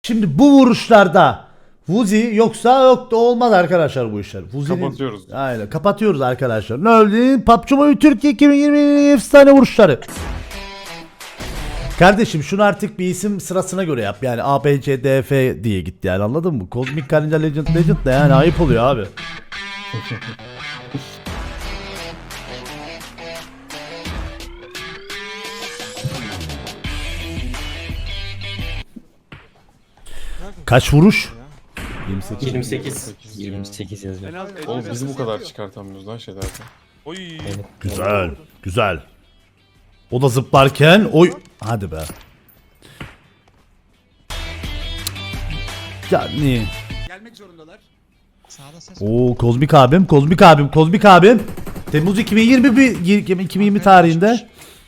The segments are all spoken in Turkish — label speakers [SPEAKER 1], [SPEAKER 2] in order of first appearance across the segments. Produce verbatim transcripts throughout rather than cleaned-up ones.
[SPEAKER 1] Şimdi bu vuruşlarda Vuzi yoksa yok da olmaz arkadaşlar bu işler. Vuzi'nin...
[SPEAKER 2] Kapatıyoruz.
[SPEAKER 1] Aynen kapatıyoruz arkadaşlar. Ne oldu? P U B G Mobile Türkiye iki bin yirmi efsane vuruşları. Kardeşim şunu artık bir isim sırasına göre yap. Yani A, B, C, D, F diye gitti yani, anladın mı? Kozmik Karınca Legend Legend de yani ayıp oluyor abi. Kaç vuruş? yirmi sekiz.
[SPEAKER 3] yirmi sekiz. yirmi sekiz yazıyor.
[SPEAKER 2] Oğlum bizi bu kadar çıkartamıyoruz lan şeylerden.
[SPEAKER 4] Oy.
[SPEAKER 1] Güzel, güzel. O da zıplarken oy. Hadi be. Yani.
[SPEAKER 5] Gelmek zorundalar.
[SPEAKER 1] Oo Kozmik abim, Kozmik abim, Kozmik abim. Temmuz iki bin yirmi bir iki bin yirmi tarihinde.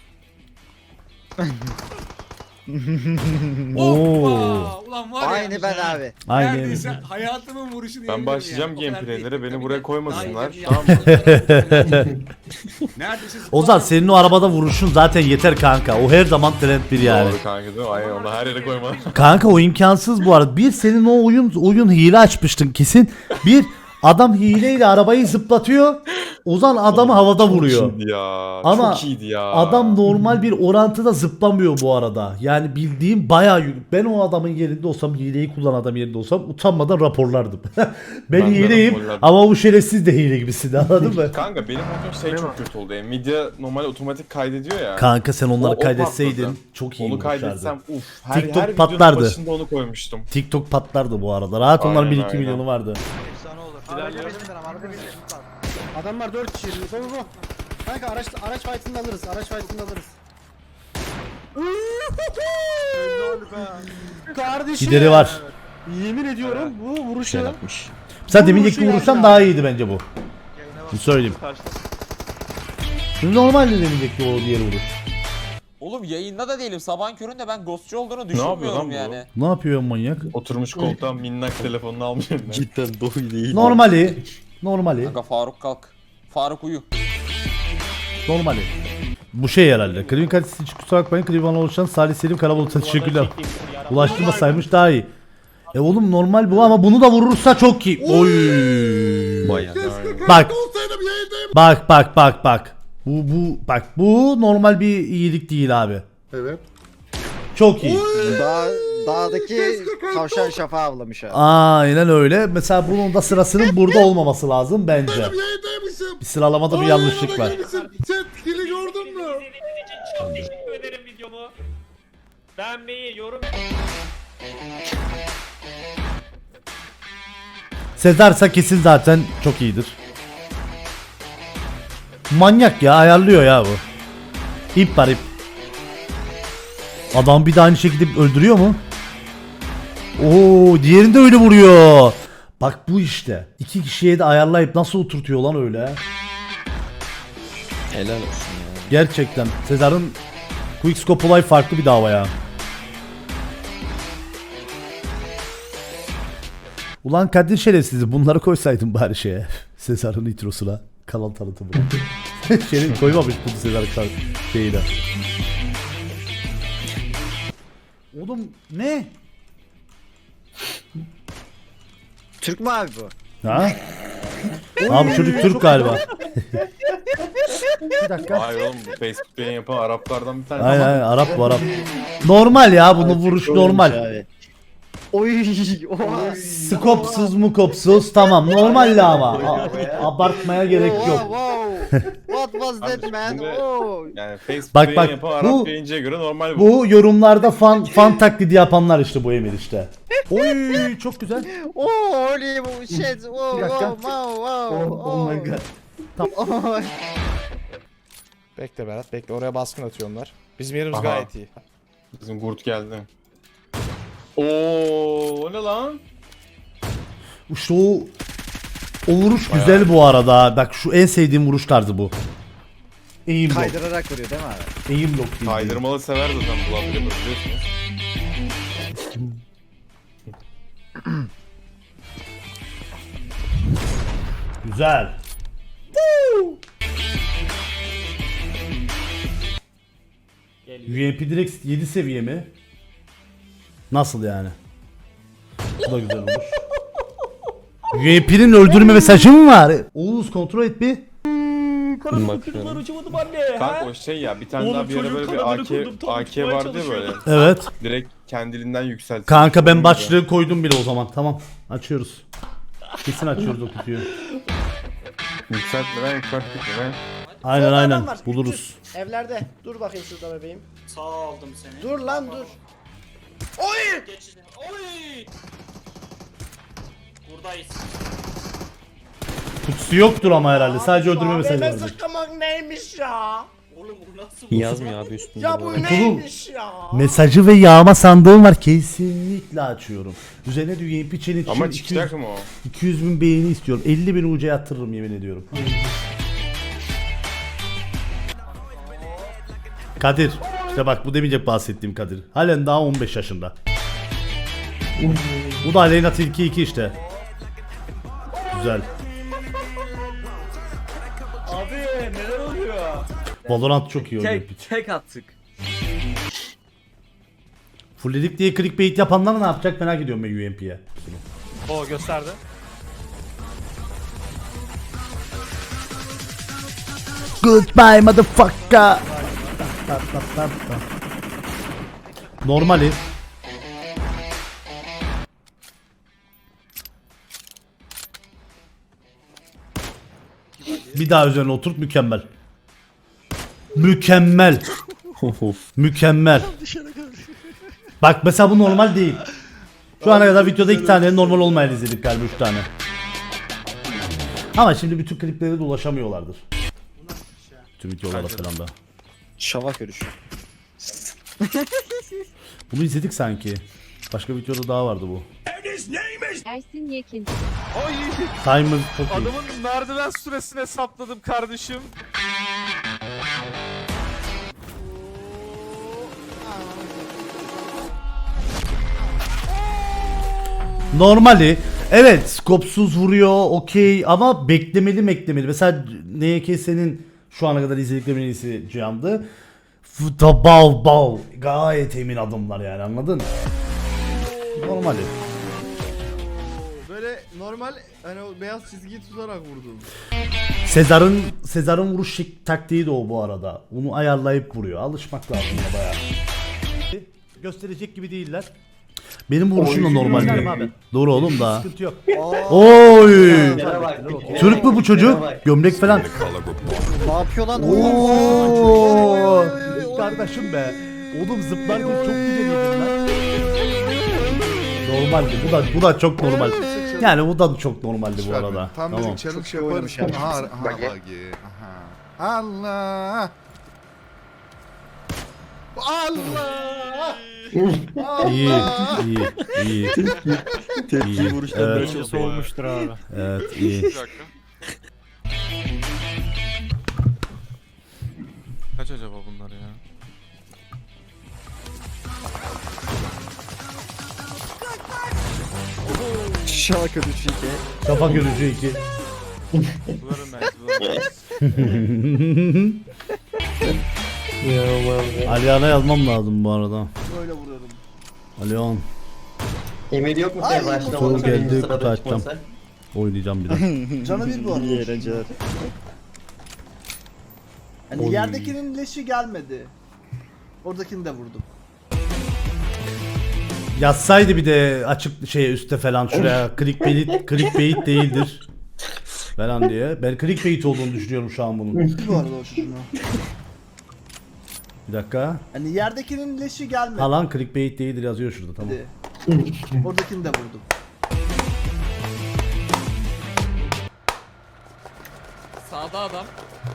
[SPEAKER 1] Oo.
[SPEAKER 5] Ulan var ya.
[SPEAKER 6] Aynı ben abi.
[SPEAKER 1] Aynen.
[SPEAKER 5] Neredeyse hayatımın vuruşunu
[SPEAKER 2] Ben
[SPEAKER 5] yedim
[SPEAKER 2] başlayacağım
[SPEAKER 5] ya. O kadar
[SPEAKER 2] gameplaylere,
[SPEAKER 5] değil.
[SPEAKER 2] beni
[SPEAKER 5] Tabii
[SPEAKER 2] buraya
[SPEAKER 5] de-
[SPEAKER 2] koymasınlar.
[SPEAKER 5] Daha iyi
[SPEAKER 2] Tamam
[SPEAKER 5] bir-
[SPEAKER 2] mı?
[SPEAKER 5] Neredeyse
[SPEAKER 1] Ozan senin o arabada vuruşun zaten yeter kanka. O her zaman trend bir yani.
[SPEAKER 2] Doğru kanka değil mi? Aynen onu her yere koyma.
[SPEAKER 1] Kanka o imkansız bu arada. Bir senin o oyun oyun hile açmıştın kesin. Bir adam hileyle arabayı zıplatıyor. Ozan adamı havada vuruyor.
[SPEAKER 2] Çok iyiydi ya.
[SPEAKER 1] Ama
[SPEAKER 2] çok iyiydi ya.
[SPEAKER 1] adam normal bir orantıda zıplamıyor bu arada. Yani bildiğim bayağı yük- ben o adamın yerinde olsam, hileyi kullanan adam yerinde olsam utanmadan raporlardım. ben,
[SPEAKER 2] Ben de
[SPEAKER 1] hileyim
[SPEAKER 2] raporlardım.
[SPEAKER 1] ama bu şerefsiz de hile gibisin, anladın mı?
[SPEAKER 2] Kanka benim motor şey çok kötü oldu. Nvidia normal otomatik kaydediyor ya.
[SPEAKER 1] Kanka sen onları
[SPEAKER 2] O- o
[SPEAKER 1] kaydetseydin
[SPEAKER 2] patladı.
[SPEAKER 1] çok iyi
[SPEAKER 2] Onu
[SPEAKER 1] olurlardı.
[SPEAKER 2] kaydetsem uf. Her,
[SPEAKER 1] TikTok
[SPEAKER 2] her videonun
[SPEAKER 1] patlardı.
[SPEAKER 2] başında onu koymuştum.
[SPEAKER 1] TikTok patlardı bu arada. Rahat onlar
[SPEAKER 2] Aynen,
[SPEAKER 1] bir iki
[SPEAKER 2] aynen.
[SPEAKER 1] milyonu vardı.
[SPEAKER 7] Adamlar dört kişi. Bu bu bu. Kanka araç araç fight'ını alırız. Araç fight'ını alırız. Kardeşim.
[SPEAKER 1] Gideri var.
[SPEAKER 7] Yemin ediyorum bu vuruşu.
[SPEAKER 3] Güzel atmış.
[SPEAKER 1] Sen
[SPEAKER 7] Bu
[SPEAKER 1] deminceki
[SPEAKER 7] vuruşu
[SPEAKER 1] vuruştan
[SPEAKER 7] yani.
[SPEAKER 1] daha iyiydi bence bu. Şimdi söyleyeyim. Şimdi normalde deminceki o diğer vuruş.
[SPEAKER 8] Oğlum yayında da değilim. Sabahın köründe ben ghostçu olduğunu
[SPEAKER 2] yapıyor lan
[SPEAKER 8] düşünmüyorum
[SPEAKER 2] bu?
[SPEAKER 8] yani.
[SPEAKER 1] Ne yapıyor manyak?
[SPEAKER 2] Oturmuş koltuğa minnak telefonunu almış eline.
[SPEAKER 3] Cidden doğru değil.
[SPEAKER 1] Normali. Normali.
[SPEAKER 8] Kanka Faruk kalk. Faruk uyu.
[SPEAKER 1] Normali. Bu şey herhalde. Klibin kalitesi için kusura bakmayın. Klibin oluşan Salih Selim Karabulut'a teşekkürler. Ulaştırmasaymış daha iyi. E oğlum normal bu ama bunu da vurursa çok iyi. Oy.
[SPEAKER 3] Bayağı.
[SPEAKER 1] Bak. Bak bak bak bak. Bu bu bak bu normal bir iyilik değil abi.
[SPEAKER 5] Evet.
[SPEAKER 1] Çok iyi.
[SPEAKER 6] Dağ, dağdaki tavşan şafağı avlamış abi.
[SPEAKER 1] Aynen öyle. Mesela bunun da sırasının burada olmaması lazım bence.
[SPEAKER 5] Yayındaymışım.
[SPEAKER 1] Bir sıralamada bir yanlışlık var.
[SPEAKER 5] Sen hile gördün mü?
[SPEAKER 4] Çok teşekkür ederim videomu. Beğenmeyi, yorum
[SPEAKER 1] Sezarsa kesin zaten çok iyidir. Manyak ya, ayarlıyor ya bu. İp var ip. Adam bir de aynı şekilde öldürüyor mu? Oo, diğerini de öyle vuruyor. Bak bu işte. İki kişiye de ayarlayıp nasıl oturtuyor lan öyle.
[SPEAKER 3] Helal olsun ya.
[SPEAKER 1] Gerçekten Sezar'ın Quickscope olay farklı bir dava ya. Ulan Kadir şerefsizi bunları koysaydın bari şeye. Sezar'ın nitrosuna. Kanal tanıtımına. Şeyini koymamış bu Sezar'ın kan- şeyine. Oğlum ne?
[SPEAKER 6] Türk mü abi bu?
[SPEAKER 1] Ha? Abi çocuk Türk galiba. Bir dakika.
[SPEAKER 2] Hayır oğlum bu Facebook yayın yapan Araplardan bir tane.
[SPEAKER 1] Aynen aynen Arap bu Arap. Normal ya bunun vuruş normal.
[SPEAKER 6] Abi. Oy. Oha.
[SPEAKER 1] Skopsuz mukopsuz tamam normalde ama. A- abartmaya gerek
[SPEAKER 6] Wow,
[SPEAKER 1] yok.
[SPEAKER 6] wow. What was that man?
[SPEAKER 2] Şimdi-
[SPEAKER 6] Oh.
[SPEAKER 2] Yani Facebook
[SPEAKER 1] Bak,
[SPEAKER 2] yayın
[SPEAKER 1] bak,
[SPEAKER 2] yapan Arap
[SPEAKER 1] bu-
[SPEAKER 2] yayıncıya göre normal bu.
[SPEAKER 1] Bu yorumlarda fan fan taklidi yapanlar işte bu Emir işte. Oy çok güzel.
[SPEAKER 6] Oh, holy shit. Oh,
[SPEAKER 1] Bir dakika.
[SPEAKER 6] wow, wow, wow.
[SPEAKER 1] Oh my god.
[SPEAKER 6] Oh.
[SPEAKER 7] Bekle Berat bekle. Oraya baskın atıyor onlar. Bizim yerimiz
[SPEAKER 2] Aha.
[SPEAKER 7] gayet iyi.
[SPEAKER 2] Bizim Gurt geldi. Oo, o ne lan?
[SPEAKER 1] İşte o o vuruş güzel bu arada. Bak şu en sevdiğim vuruş tarzı bu. Aim lock.
[SPEAKER 6] Kaydırarak vuruyor değil mi abi?
[SPEAKER 1] Aim lock değil.
[SPEAKER 2] Kaydırmalı sever zaten bu lan biliyorsunuz.
[SPEAKER 1] Güzel. U M P direkt yedi seviye mi? Nasıl yani? Bu da güzel olur. U M P'nin öldürme mesajı mı var? Oğuz kontrol et bir.
[SPEAKER 3] Bakıyorum.
[SPEAKER 4] uçamadım anne.
[SPEAKER 2] Kanka o şey ya bir tane
[SPEAKER 4] Oğlum
[SPEAKER 2] daha bir ara
[SPEAKER 4] çocuğun
[SPEAKER 2] böyle bir
[SPEAKER 4] kanadını
[SPEAKER 2] A K,
[SPEAKER 4] kurdum, tam
[SPEAKER 2] A K
[SPEAKER 4] tutmaya
[SPEAKER 2] vardı ya böyle.
[SPEAKER 4] çalışıyordum.
[SPEAKER 1] Evet.
[SPEAKER 2] Direkt kendiliğinden yükseltti.
[SPEAKER 1] Kanka ben başlığı koydum bile o zaman. Tamam. Açıyoruz. Kesin açıyoruz o kutuyu.
[SPEAKER 2] Yükseltmeden yükseltmeden.
[SPEAKER 1] Aynen
[SPEAKER 7] Solda
[SPEAKER 1] aynen.
[SPEAKER 7] adam var,
[SPEAKER 1] Buluruz.
[SPEAKER 7] üç yüz. Evlerde. Dur bakayım şurada bebeğim.
[SPEAKER 4] Sağ aldım seni.
[SPEAKER 7] Dur lan dur. Oy!
[SPEAKER 4] Geç. Oy! Buradayız.
[SPEAKER 1] Kutusu yoktur ama herhalde. Sadece
[SPEAKER 7] Abi şu
[SPEAKER 1] öldürme mesajı
[SPEAKER 7] A V M
[SPEAKER 1] vardır.
[SPEAKER 7] sıkmak neymiş ya?
[SPEAKER 4] Oğlum bu nasıl bu?
[SPEAKER 3] Yazmıyor abi üstünde.
[SPEAKER 7] Ya bu
[SPEAKER 3] arada.
[SPEAKER 7] neymiş ya?
[SPEAKER 1] Mesajı ve yağma sandığım var. Kesinlikle açıyorum. Üzerine de U M P challenge
[SPEAKER 2] Ama
[SPEAKER 1] için
[SPEAKER 2] çıkacak
[SPEAKER 1] 200,
[SPEAKER 2] mı o?
[SPEAKER 1] iki yüz bin beğeni istiyorum. elli bin U C yatırırım yemin ediyorum. Kadir. İşte bak bu demeyecek bahsettiğim Kadir. Halen daha on beş yaşında. Bu da Aleyna Tilki iki işte. Güzel.
[SPEAKER 4] Abi neler oluyor?
[SPEAKER 1] Valorant çok iyi oynuyor. piç.
[SPEAKER 8] tek attık.
[SPEAKER 1] Fullledik diye clickbait yapanlar ne yapacak merak ediyorum ben U M P'ye.
[SPEAKER 4] O gösterdi.
[SPEAKER 1] Goodbye motherfucker. Normali. Bir daha üzerine oturt mükemmel. Mükemmel. Mükemmel. Bak mesela bu normal değil. Şu ana kadar videoda iki tane normal olmayan izledik galiba, üç tane. Ama şimdi bütün kliplere de ulaşamıyorlardır. Tüm videolara falan da.
[SPEAKER 6] Şavak görüşü.
[SPEAKER 1] Bunu izledik sanki. Başka videoda daha vardı bu.
[SPEAKER 9] Ersin Yekin.
[SPEAKER 1] Timer çok iyi.
[SPEAKER 8] Adamın merdiven süresini hesapladım kardeşim.
[SPEAKER 1] Normali. Evet, skopsuz vuruyor, okey ama beklemeli beklemeli. Mesela N K S'nin şu ana kadar izlediklerim en iyisi Cihan'dı. Fıta bal bal. Gayet emin adımlar yani, anladın? Normali.
[SPEAKER 5] Böyle normal hani o beyaz çizgiyi tutarak vurdum.
[SPEAKER 1] Sezar'ın Sezar'ın vuruş şek- taktiği de o bu arada. Onu ayarlayıp vuruyor. Alışmak lazım ya bayağı. Gösterecek gibi değiller. Benim vuruşum da normal değil. Doğru oğlum da. Sıkıntı yok. Oy! Türk mü bu çocuk? Gömlek falan.
[SPEAKER 6] Ne yapıyor lan?
[SPEAKER 1] Oo! Kardeşim be. Oğlum zıplarken çok güzel yedin lan. Normaldi. Bu da bu da çok normal. Yani bu da çok normaldi bu arada.
[SPEAKER 5] Tam
[SPEAKER 1] Tamam.
[SPEAKER 5] dedik challenge yaparız. Aha, aha, buggy. Aha. Allah. Allah.
[SPEAKER 1] İyi, iyi, iyi.
[SPEAKER 3] Tepki
[SPEAKER 1] İyi.
[SPEAKER 3] vuruşlar
[SPEAKER 1] Evet.
[SPEAKER 3] böyle çok soğumuştur abi.
[SPEAKER 1] Evet, iyi.
[SPEAKER 8] Kaç acaba bunlar ya?
[SPEAKER 6] Şavak görüşü iki.
[SPEAKER 1] Kafa görücü iki.
[SPEAKER 8] Bunların ben.
[SPEAKER 1] Aliyan'a yazmam lazım bu arada.
[SPEAKER 5] Böyle vuruyorum.
[SPEAKER 1] Aliyan.
[SPEAKER 10] Emir yok mu sen başta?
[SPEAKER 1] Soru
[SPEAKER 10] Onu
[SPEAKER 1] geldi,
[SPEAKER 10] söyleyeyim,
[SPEAKER 1] kutu
[SPEAKER 10] sırada
[SPEAKER 1] açacağım.
[SPEAKER 10] çıkmasa.
[SPEAKER 1] Oynayacağım bir daha.
[SPEAKER 7] Canı bir bu arada.
[SPEAKER 6] İyi eğlenceler.
[SPEAKER 7] Hani
[SPEAKER 1] Oy.
[SPEAKER 7] yerdekinin leşi gelmedi. Oradakini de vurdum.
[SPEAKER 1] Yazsaydı bir de açık şey üstte falan şuraya clickbait, clickbait değildir falan diye. Ben clickbait olduğunu düşünüyorum şu an bunun.
[SPEAKER 7] Bu arada o çocuğunu.
[SPEAKER 1] Bir dakika.
[SPEAKER 7] Hani yerdekinin leşi gelmedi.
[SPEAKER 1] Ha lan clickbait değildir yazıyor şurada, tamam.
[SPEAKER 7] Oradakini de vurdum.
[SPEAKER 8] Sağda adam.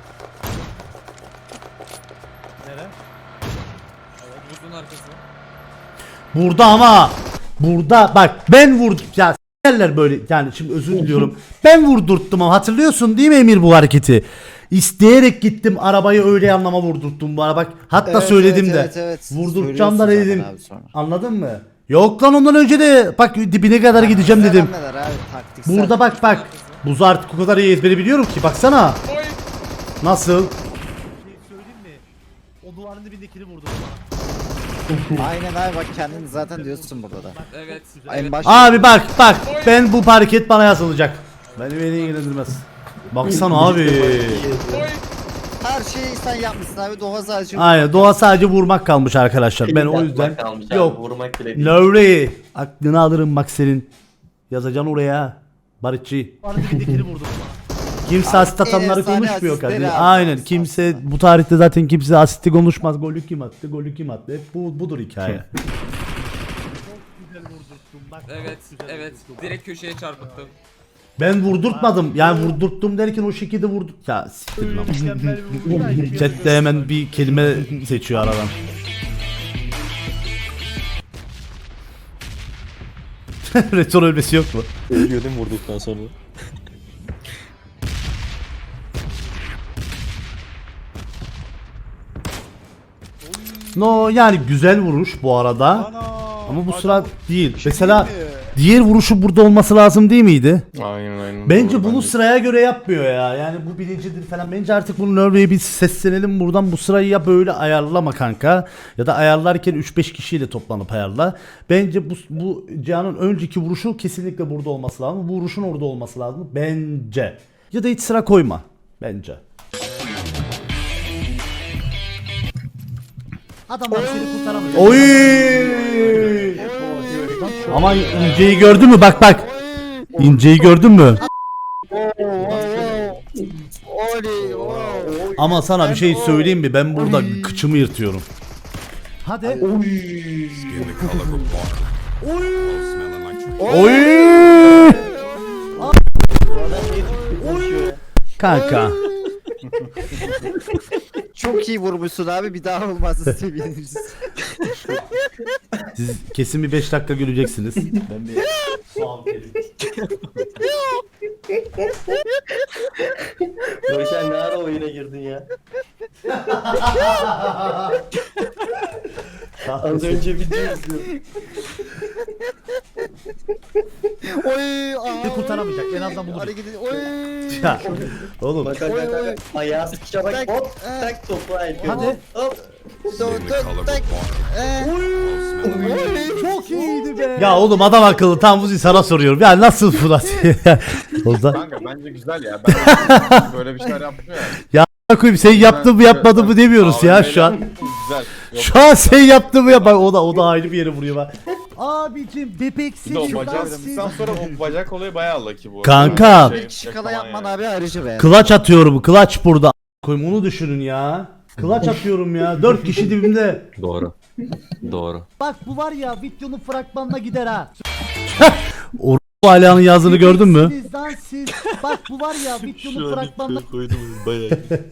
[SPEAKER 4] Nere?
[SPEAKER 8] Evet, buzun arkası.
[SPEAKER 1] Burada ama burada bak ben vurdum ya s**erler böyle, yani şimdi özür diliyorum. Ben vurdurttum ama hatırlıyorsun değil mi Emir bu hareketi? İsteyerek gittim arabayı öyle anlama vurdurttum bu ara bak. Hatta
[SPEAKER 6] Evet,
[SPEAKER 1] söyledim
[SPEAKER 6] evet,
[SPEAKER 1] de.
[SPEAKER 6] evet, evet.
[SPEAKER 1] Vurdurtacağım da
[SPEAKER 6] Söylüyorsun
[SPEAKER 1] dedim.
[SPEAKER 6] zaten abi sonra.
[SPEAKER 1] Anladın mı? Yok lan ondan önce de bak dibine kadar gideceğim dedim.
[SPEAKER 6] Neler abi taktiksel.
[SPEAKER 1] Burada bak bak. Buzu artık o kadar iyi ezbere biliyorum ki baksana. Nasıl? Şey söyleyeyim mi? O duvarın dibindekini vurdum bana.
[SPEAKER 6] Aynen abi bak kendin zaten diyorsun burada da.
[SPEAKER 8] Evet.
[SPEAKER 6] En baş.
[SPEAKER 1] Abi bak bak ben bu hareket bana yazılacak. Beni beni ilgilendirmez. Baksana abi.
[SPEAKER 6] Her şeyi sen yapmışsın abi. Doğa sadece.
[SPEAKER 1] Aynen doğa sadece vurmak kalmış arkadaşlar. Ben o yüzden
[SPEAKER 10] Kalmış abi,
[SPEAKER 1] yok.
[SPEAKER 10] vurmak bile değil.
[SPEAKER 1] Nuri aklını alırım bak senin. Yazacaksın oraya. Barışçı. Kimse asit atanları
[SPEAKER 6] efsane
[SPEAKER 1] konuşmuyor
[SPEAKER 6] asistleri
[SPEAKER 1] kardeşim.
[SPEAKER 6] abi.
[SPEAKER 1] Aynen kimse bu tarihte zaten kimse asisti konuşmaz. Golü kim attı? Golü kim attı? Hep bu budur hikaye.
[SPEAKER 8] Evet. Evet. Direkt köşeye çarpıttım.
[SPEAKER 1] Ben vurdurtmadım. Yani vurdurttum derken o şekilde vurdu. Ya siktir lan. Chat'te hemen bir kelime seçiyor aradan. Retro ölmesi yok mu?
[SPEAKER 3] Ölüyor değil mi vurduktan sonra?
[SPEAKER 1] No yani güzel vuruş bu arada. Ama bu sıra değil. Mesela diğer vuruşu burada olması lazım değil miydi?
[SPEAKER 2] Aynen aynen.
[SPEAKER 1] Bence
[SPEAKER 2] Doğru,
[SPEAKER 1] bunu
[SPEAKER 2] bence.
[SPEAKER 1] sıraya göre yapmıyor ya. Yani bu birincidir falan. Bence artık bunu Nurvey'e bir seslenelim buradan. Bu sırayı ya böyle ayarlama kanka. Ya da ayarlarken üç beş kişiyle toplanıp ayarla. Bence bu, bu Cihan'ın önceki vuruşu kesinlikle burada olması lazım. Bu vuruşun orada olması lazım. Bence. Ya da hiç sıra koyma. Bence. Adamlar seni kurtaramayacak. Oy! Ama inceyi gördün mü? Bak bak. İnceyi gördün mü? Ama sana bir şey söyleyeyim mi? Ben burada kıçımı yırtıyorum. Hadi. Oy! Kanka.
[SPEAKER 6] Çok iyi vurmuşsun abi. Bir daha olmazsa seviniriz.
[SPEAKER 1] Siz kesin bir beş dakika güleceksiniz. Ben bir soğan vereyim.
[SPEAKER 10] Görüşen ne ara oyuna girdin ya? Az önce video izliyordum.
[SPEAKER 6] Oy!
[SPEAKER 1] Bir kurtaramayacak. En azından bunu.
[SPEAKER 6] Hareketi. Oy!
[SPEAKER 1] Ya oğlum.
[SPEAKER 10] Bak bak bak bak. Ayağı sıkışa bak.
[SPEAKER 6] Tak,
[SPEAKER 10] Hop.
[SPEAKER 6] eh.
[SPEAKER 10] Tak topu ayıp.
[SPEAKER 1] Hadi.
[SPEAKER 10] Hop.
[SPEAKER 6] Dön dön tak. Ee.
[SPEAKER 1] Çok iyiydi be. Ya oğlum adam akıllı tam Vuzi sana soruyorum. Ya nasıl Fırat? O zaman
[SPEAKER 2] Kanka bence güzel ya. Ben böyle bir şeyler yaptım ya.
[SPEAKER 1] koyayım sen yaptın mı yapmadın mı demiyoruz ya şu an.
[SPEAKER 2] Güzel. Yok.
[SPEAKER 1] Şu an sen yaptın mı ya bak o da o da ayrı bir yere vuruyor bak. Abicim bebeksin
[SPEAKER 2] Bir de o
[SPEAKER 1] şuradan
[SPEAKER 2] bacak
[SPEAKER 1] siz-
[SPEAKER 2] sıktıktan sonra o bacak olayı bayağı lucky bu.
[SPEAKER 1] Kanka.
[SPEAKER 2] Şey,
[SPEAKER 6] Bir kişi kala
[SPEAKER 2] falan
[SPEAKER 6] yapman
[SPEAKER 2] yani.
[SPEAKER 6] abi ayrıca be.
[SPEAKER 1] Kılaç atıyorum kılaç burada. Koyayım onu düşünün ya. Kılaç atıyorum ya. Dört kişi dibimde.
[SPEAKER 3] Doğru. Doğru.
[SPEAKER 1] Bak bu var ya videonun fragmanına gider ha. O Alihan'ın yazdığını gördün mü? Sizden siz. Bak bu var ya videonun fragmanına.
[SPEAKER 3] koydum bayağı.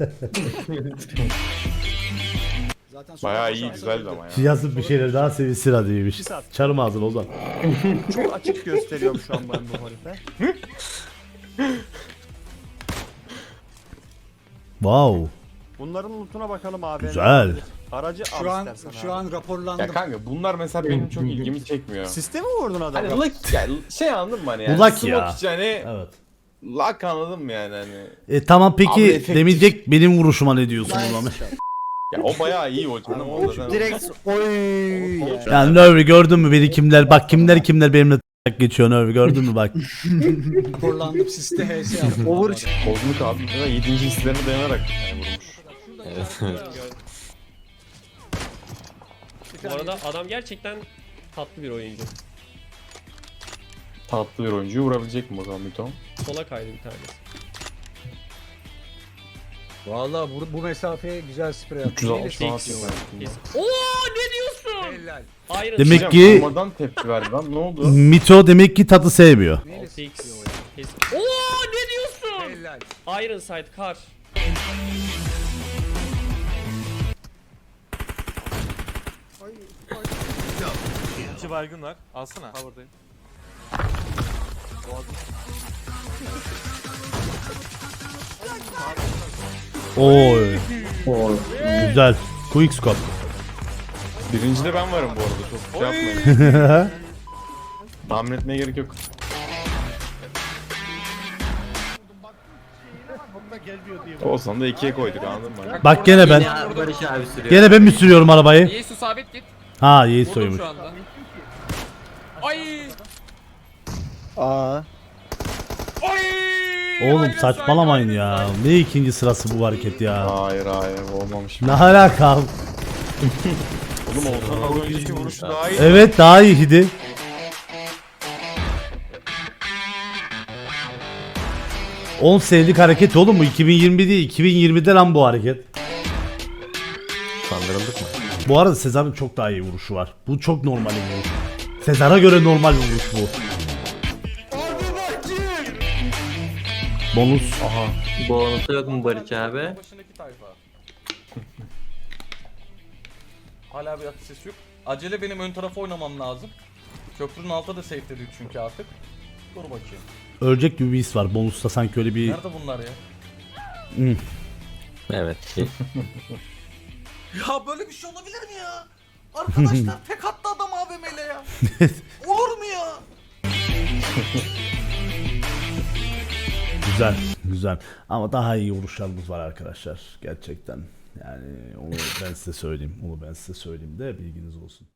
[SPEAKER 2] Bayağı iyi güzeldi ama ya.
[SPEAKER 1] Yazıp bir şeyler daha sevinsin hadiymiş. Çarım ağzını o zaman.
[SPEAKER 7] Çok açık gösteriyorum şu an ben bu harife.
[SPEAKER 1] Wow.
[SPEAKER 7] Bunların lootuna bakalım abi.
[SPEAKER 1] Güzel.
[SPEAKER 7] Aracı
[SPEAKER 5] Şu
[SPEAKER 7] al
[SPEAKER 5] an
[SPEAKER 7] istersen
[SPEAKER 5] şu
[SPEAKER 7] abi.
[SPEAKER 5] an raporlandım.
[SPEAKER 2] Ya kanka bunlar mesela benim çok ilgimi çekmiyor.
[SPEAKER 7] Sistemi mi vurdun adamı?
[SPEAKER 2] Hani lucky yani şey anladın mı hani yani?
[SPEAKER 1] Bu lucky
[SPEAKER 2] Smoke
[SPEAKER 1] ya.
[SPEAKER 2] için hani
[SPEAKER 1] Evet.
[SPEAKER 2] luck anladın mı yani hani?
[SPEAKER 1] E tamam
[SPEAKER 2] Abi
[SPEAKER 1] peki
[SPEAKER 2] efektif.
[SPEAKER 1] demeyecek benim vuruşuma ne diyorsun o zaman?
[SPEAKER 2] Ya o bayağı iyi o canım. O zaten-
[SPEAKER 6] Direkt oy.
[SPEAKER 1] Yani Nurvi gördün mü beni kimler bak kimler kimler benimle geçiyor Nurvi gördün mü bak.
[SPEAKER 5] Raporlandım siste H S yaptım.
[SPEAKER 6] Over.
[SPEAKER 2] Bozmuk abi. Ya yedinci hislerine dayanarak yani vurmuş.
[SPEAKER 3] Evet.
[SPEAKER 4] Bu arada adam gerçekten tatlı bir oyuncu.
[SPEAKER 2] Tatlı bir oyuncuyu vurabilecek mi o zaman Mito?
[SPEAKER 4] Sola kaydı bir tanesi.
[SPEAKER 5] Valla bu, bu mesafeye güzel sprey yaptım.
[SPEAKER 2] üç yüz altmış
[SPEAKER 4] Neyle
[SPEAKER 2] falan
[SPEAKER 4] seksiyon
[SPEAKER 2] atıyor
[SPEAKER 4] var?
[SPEAKER 2] belki.
[SPEAKER 4] Oo ne diyorsun?
[SPEAKER 5] Helal.
[SPEAKER 4] Iron
[SPEAKER 1] Demek
[SPEAKER 4] Sight.
[SPEAKER 1] ki-
[SPEAKER 2] Durmadan tepki verdi lan ne oldu?
[SPEAKER 1] Mito demek ki tadı sevmiyor.
[SPEAKER 4] altı x. Kes- Oo ne diyorsun?
[SPEAKER 5] Helal.
[SPEAKER 4] Iron Sight kar.
[SPEAKER 3] İki baygın var. Alsana. Havadayım.
[SPEAKER 1] Oy. Güzel. Quick scope.
[SPEAKER 2] Birincide ben varım bu arada çok şey yapmayın. Tahmin etmeye gerek yok. Olsan da ikiye koyduk anladın mı?
[SPEAKER 1] Bak gene ben.
[SPEAKER 10] Ya Barış abi sürüyor.
[SPEAKER 1] Gene ben mi sürüyorum arabayı?
[SPEAKER 8] İyi su sabit git.
[SPEAKER 1] Ha Yiğit
[SPEAKER 8] Vurdum
[SPEAKER 1] soymuş.
[SPEAKER 8] şu anda. Ay!
[SPEAKER 6] Aa.
[SPEAKER 8] Ay!
[SPEAKER 1] Oğlum
[SPEAKER 8] Hayır,
[SPEAKER 1] saçmalamayın
[SPEAKER 8] hayır,
[SPEAKER 1] ya.
[SPEAKER 8] hayır.
[SPEAKER 1] Ne ikinci sırası bu hareket ya.
[SPEAKER 2] Hayır hayır olmamış.
[SPEAKER 1] Ne alaka?
[SPEAKER 2] Oğlum Oğuzhan az önceki vuruşu daha iyi.
[SPEAKER 1] Evet daha iyiydi. on senelik hareket oğlum bu iki bin yirmi değil iki bin yirmide lan bu hareket.
[SPEAKER 3] Kandırıldık mı?
[SPEAKER 1] Bu arada Sezar'ın çok daha iyi vuruşu var. Bu çok normal bir vuruş. Sezar'a göre normal bir vuruş bu. Bonus.
[SPEAKER 2] Aha.
[SPEAKER 10] Bonusu yok mu Barış abi?
[SPEAKER 8] Başındaki tayfa. Hala bir atış sesi yok. Acele benim ön tarafa oynamam lazım. Köprünün altı da safe dedi çünkü artık. Dur bakayım.
[SPEAKER 1] Ölecek gibi bir his var. Bonus'ta sanki öyle bir...
[SPEAKER 8] Nerede bunlar ya?
[SPEAKER 3] Evet.
[SPEAKER 8] Ya böyle bir şey olabilir mi ya? Arkadaşlar tek attı adam A V M'yle ya. Olur mu ya?
[SPEAKER 1] Güzel, güzel. Ama daha iyi vuruşlarımız var arkadaşlar. Gerçekten. Yani onu ben size söyleyeyim. Onu ben size söyleyeyim de bilginiz olsun.